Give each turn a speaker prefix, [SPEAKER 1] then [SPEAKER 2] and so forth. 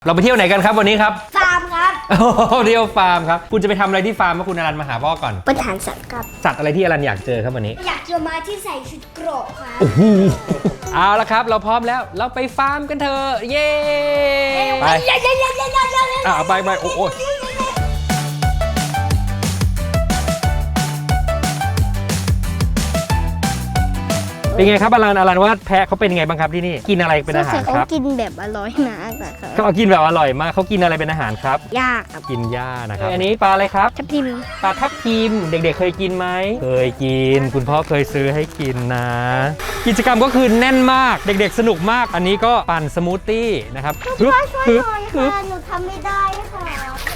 [SPEAKER 1] เราไปเที่ยวไหนกันครับวันนี้ครับ
[SPEAKER 2] ฟาร์มครับ
[SPEAKER 1] เที่ยวฟาร์มครับคุณจะไปทำอะไรที่ฟาร์มเมื่อคุณอรันมาหาพ่อก่อน
[SPEAKER 2] ปัญหาสัตว์ครับ
[SPEAKER 1] สัตว์อะไรที่อรันอยากเจอครับวันนี้
[SPEAKER 2] อยากเจอม้าที่ใส่ชุดเกราะครับ
[SPEAKER 1] เอาละครับเราพร้อมแล้วเราไปฟาร์มกันเถอะเย้ไปไปโอ้เป็นไงครับอรันว่าแพะเขาเป็นไงบ้างครับที่นี่กินอะไรเป็นอาหารครับ
[SPEAKER 2] เขากินแบบอร่อยมากนะครับ
[SPEAKER 1] เขากินแบบอร่อยมากเขากินอะไรเป็นอาหารครับ
[SPEAKER 2] หญ้าครับ
[SPEAKER 1] กินหญ้านะครับอันนี้ปลาอะไรครับ
[SPEAKER 2] ทับทิม
[SPEAKER 1] ปลาทับทิมเด็กๆเคยกินไหมเคยกินคุณพ่อเคยซื้อให้กินนะกิจกรรมก็คือแน่นมากเด็กๆสนุกมากอันนี้ก็ปั่นสมูทตี้นะครับ
[SPEAKER 2] ช่วยหน่อยค่ะหนูทำไม่ได้ค่ะ